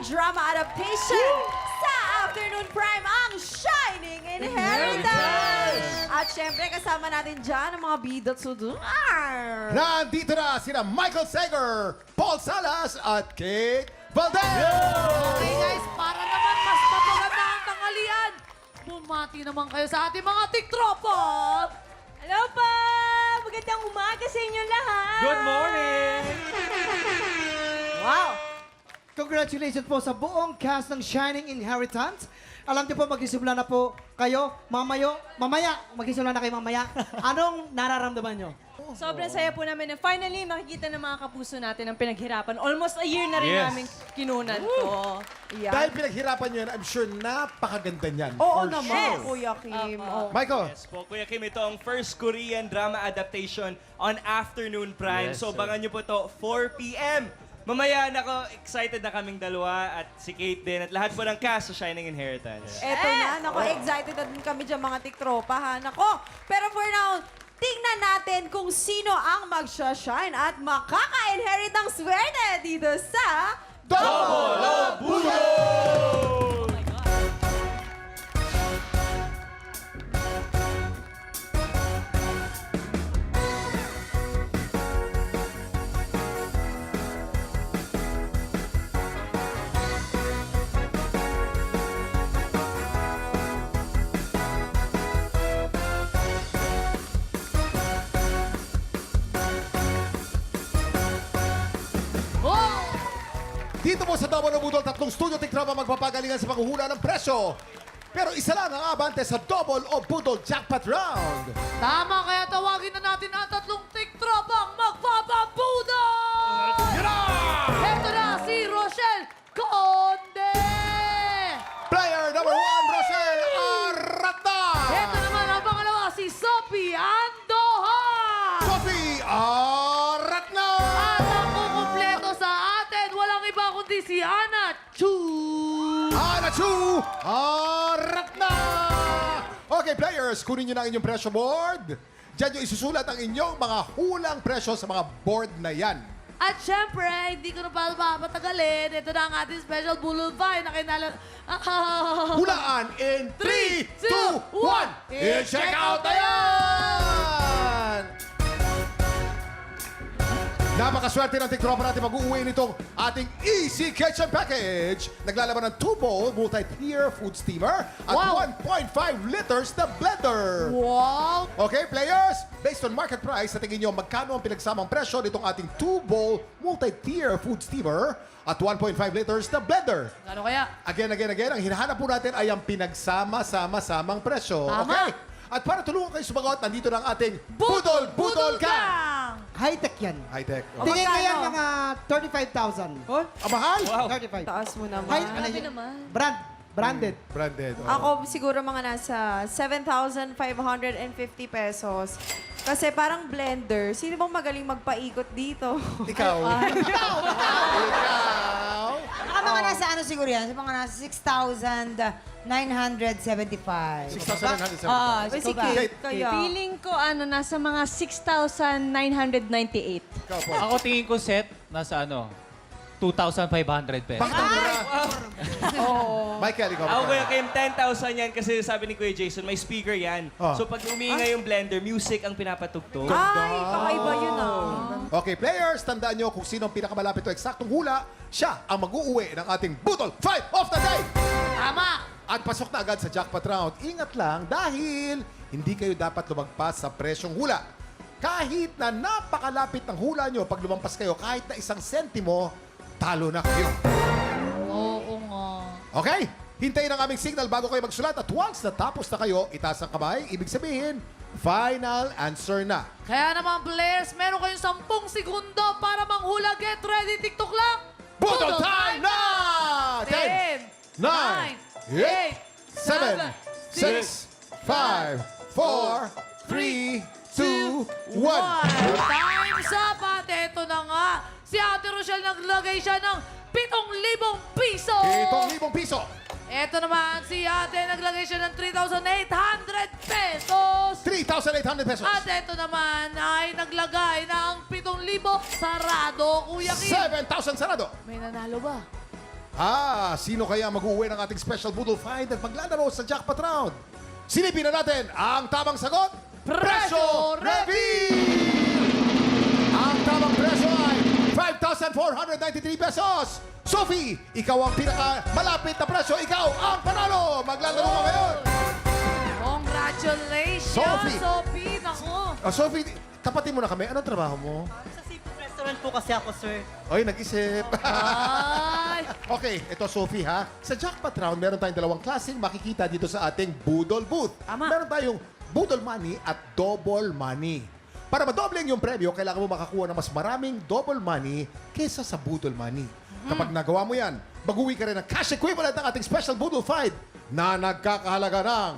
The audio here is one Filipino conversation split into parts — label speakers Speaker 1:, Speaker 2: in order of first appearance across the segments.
Speaker 1: drama adaptation sa Afternoon Prime, ang Shining Inheritance! At syempre, kasama natin dyan ang mga bida sudungar.
Speaker 2: Nandito na sina Michael Sager, Paul Salas, at Kate Valdez!
Speaker 3: Okay guys, para naman mas mapaganda ang tanghalian, bumati naman kayo sa ating mga tiktropa!
Speaker 1: Hello po! Magandang umaga sa inyo lahat!
Speaker 4: Good morning!
Speaker 1: Wow!
Speaker 5: Congratulations po sa buong cast ng Shining Inheritance. Alam niyo po, magsisimula na po kayo. Mamaya, magsisimula na kayo mamaya. Anong nararamdaman niyo?
Speaker 6: Sobrang saya po namin na finally makikita ng mga kapuso natin ang pinaghirapan. Almost a year na rin
Speaker 4: Yes.
Speaker 6: namin kinunan to.
Speaker 1: Yeah.
Speaker 2: Dahil pinaghirapan nyo yan, I'm sure napakaganda niyan.
Speaker 1: Oo
Speaker 2: For
Speaker 1: naman,
Speaker 2: sure.
Speaker 1: Kuya Kim. Oh.
Speaker 2: Michael,
Speaker 4: Yes po, Kuya Kim, ito ang first Korean drama adaptation on Afternoon Prime.
Speaker 7: Yes,
Speaker 4: So,
Speaker 7: sir.
Speaker 4: bangan nyo po to 4 p.m. Mamaya, nako, excited na kaming dalawa at si Kate din at lahat po ng cast sa Shining Inheritance.
Speaker 1: Eto na, nako, excited na din kami dyan mga tiktropa, ha? Nako, pero for now, tingnan natin kung sino ang magsha-shine at makaka-inherit ng swerte dito sa
Speaker 2: Double o Budo!
Speaker 3: Oh!
Speaker 2: Dito po sa Double o Budol, tatlong studio tiktrapa magpapagalingan sa paghuhula ng presyo. Pero isa lang ang abante sa Double o Budol Jackpot Round.
Speaker 3: Tama, kaya tawagin na natin ang tatlong tiktropang magpapabuda!
Speaker 2: Yan na!
Speaker 3: Ito na si Rochelle Conde!
Speaker 2: Player number 1, Rochelle Arata!
Speaker 3: Ito naman ang pangalawa, si Sophie Andoha!
Speaker 2: Sophie Aratna!
Speaker 3: At ang kukumpleto sa atin, walang iba kundi si Ana Chu!
Speaker 2: Anachu Aratna! Okay, players, kunin nyo na ang inyong presyo board. Diyan nyo isusulat ang inyong mga hulang presyo sa mga board na yan.
Speaker 3: At syempre, hindi ko na pa mapatagalin. Ito na ang ating special Boulevard na kinalang...
Speaker 2: Hulaan in 3, 2, 1! I-check out na yan! Napakaswerte ng tiktropa natin mag-uuwi nitong ating Easy Kitchen Package. Naglalaman ng 2-bowl multi-tier food steamer at
Speaker 3: Wow.
Speaker 2: 1.5 liters na blender.
Speaker 3: Wow!
Speaker 2: Okay, players, based on market price, sa tingin nyo, magkano ang pinagsamang presyo nitong ating 2-bowl multi-tier food steamer at 1.5 liters na blender?
Speaker 3: Ano kaya?
Speaker 2: Again, ang hinahanap po natin ay ang pinagsama-sama-samang presyo.
Speaker 3: Tama.
Speaker 2: Okay? At para tulungan kayo sumagot, nandito na ang ating Budol Gang!
Speaker 5: High-tech yan.
Speaker 2: High-tech.
Speaker 5: Tingin ko
Speaker 1: magkano?
Speaker 5: yan mga 35,000.
Speaker 2: Ang mahal?
Speaker 4: Wow.
Speaker 5: 35.
Speaker 1: Taas mo naman.
Speaker 6: Grabe naman.
Speaker 5: Branded.
Speaker 2: Branded. oh.
Speaker 1: Ako siguro mga nasa 7,550 pesos. Kasi parang blender. Sino bang magaling magpaikot dito?
Speaker 2: Ikaw. Ikaw.
Speaker 8: Baka mga nasa ano siguro yan? Sa mga nasa 6,975.
Speaker 2: 6,975.
Speaker 8: Oo,
Speaker 1: Uy, si
Speaker 8: ikaw ba?
Speaker 1: Kate, kaya.
Speaker 6: Feeling ko nasa mga 6,998.
Speaker 2: Ikaw po.
Speaker 7: Ako tingin ko set, nasa ano, 2,500 pesos.
Speaker 2: Bakit ang mura? Michael, ikaw.
Speaker 4: Ako, Kuya
Speaker 2: magkano?
Speaker 4: Kim, 10,000 yan kasi sabi ni Kuya Jason, may speaker yan.
Speaker 2: Ah.
Speaker 4: So, pag umiingay yung blender, music ang pinapatugtog.
Speaker 1: Ay, kakaiba yun
Speaker 2: Okay, players, tandaan nyo kung sino ang pinakamalapit o eksaktong hula, siya ang mag-uuwi ng ating Budol 5 of the Day!
Speaker 3: Tama!
Speaker 2: At pasok na agad sa jackpot round. Ingat lang dahil hindi kayo dapat lumagpas sa presyong hula. Kahit na napakalapit ng hula nyo, pag lumampas kayo kahit na 1 sentimo, talo na kayo.
Speaker 3: Oo nga.
Speaker 2: Okay? Hintayin ang aming signal bago kayo magsulat at once natapos na kayo, itaas ang kamay, ibig sabihin, final answer na.
Speaker 3: Kaya naman players, meron kayong 10 segundo para manghula. Get ready, TikTok lang!
Speaker 2: Budol time na!
Speaker 3: 10,
Speaker 2: 9, 8, 7, 6, 5, 4, 3, 2, 1.
Speaker 3: Time's up! At eto na nga, si Ate Rochelle naglagay siya ng 7,000 piso!
Speaker 2: 7,000 piso.
Speaker 3: Eto naman, si Ate naglagay siya ng 3,800 pesos!
Speaker 2: 3,800 pesos.
Speaker 3: At eto naman ay naglagay ng 7,000 sarado, Kuya Kim.
Speaker 2: 7,000 sarado.
Speaker 3: May nanalo ba?
Speaker 2: Sino kaya mag-uwi ng ating special Boodle Find at maglalaro sa jackpot round? Silipin na natin ang tamang sagot. Presyo Reveal! Ang tamang presyo ay 5,493 pesos. Sophie, ikaw ang pinaka-malapit na presyo. Ikaw ang panalo. Maglalaro ka ngayon.
Speaker 3: Congratulations,
Speaker 2: Sophie.
Speaker 3: Sophie. Naku.
Speaker 2: Sophie, tapatin mo na kami. Anong trabaho mo?
Speaker 9: Sa seafood restaurant po kasi ako, sir.
Speaker 2: Oy, nag-isip.
Speaker 3: Ay.
Speaker 2: Okay, ito Sophie ha. Sa jackpot round, meron tayong dalawang klaseng makikita dito sa ating Boodle Booth. Meron tayong Boodle Money at Double Money. Para madoble yung premyo, kailangan mo makakuha ng mas maraming double money kesa sa Boodle Money. Kapag nagawa mo yan, mag-uwi ka rin ng cash equivalent ng ating special Boodle Find na nagkakahalaga ng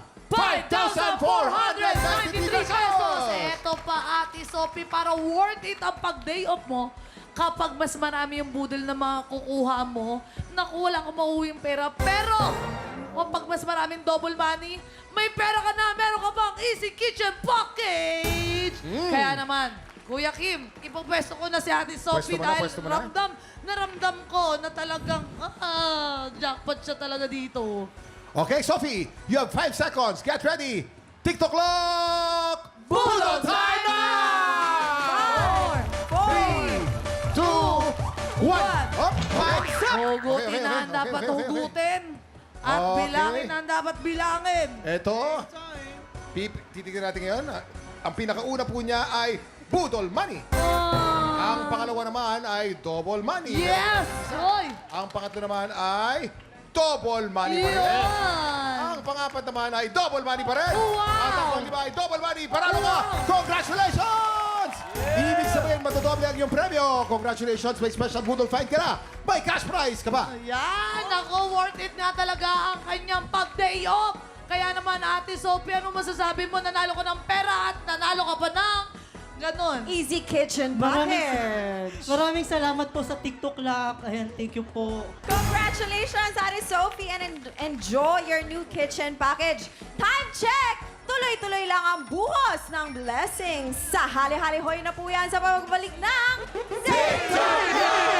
Speaker 2: 5,493 pesos!
Speaker 3: Eto pa, Ate Sophie, para worth it ang pag-day off mo, kapag mas marami yung budol na makukuha mo, naku, wala kang mauuwing pera. Pero, kapag mas maraming double money, may pera ka na, meron ka pang Easy Kitchen Package! Kaya naman, Kuya Kim, ipapwesto ko na si Ate Sophie
Speaker 2: Pwesto mo na?
Speaker 3: naramdam ko na talagang, jackpot siya talaga dito.
Speaker 2: Okay, Sophie, you have 5 seconds. Get ready. TikTok clock! Boodle time now! 3, 2, 1. Up!
Speaker 3: Hugutin na ang dapat hugutin. At
Speaker 2: Okay.
Speaker 3: bilangin na ang dapat bilangin.
Speaker 2: Ito, titignan natin ngayon. Ang pinakauna po niya ay Boodle Money. Ang pangalawa naman ay Double Money.
Speaker 3: Yes! Oy!
Speaker 2: Ang pangatlo naman ay Double Money pa rin.
Speaker 3: Yan!
Speaker 2: Ang pangapat naman ay Double Money pa rin.
Speaker 3: Wow!
Speaker 2: At ang panglima ay Double Money. Panalo ka! Congratulations! Ibig sabihin, matodoble ang iyong premyo. Congratulations, may special Boodle Find ka na. May cash prize ka ba?
Speaker 3: Ayan! Ako, worth it nga talaga ang kanyang pag-day off. Kaya naman, Ate Sophie, ano masasabi mo? Nanalo ka ng pera at nanalo ka pa ng ganon.
Speaker 1: Easy Kitchen Package.
Speaker 9: Maraming salamat po sa TikTok Lock. Ayan, thank you po.
Speaker 1: Congratulations, Ate Sophie, and enjoy your new kitchen package. Time check! Tuloy-tuloy lang ang buhos ng blessings. Sa hali-hali hoy na po yan sa pagbalik ng Victory!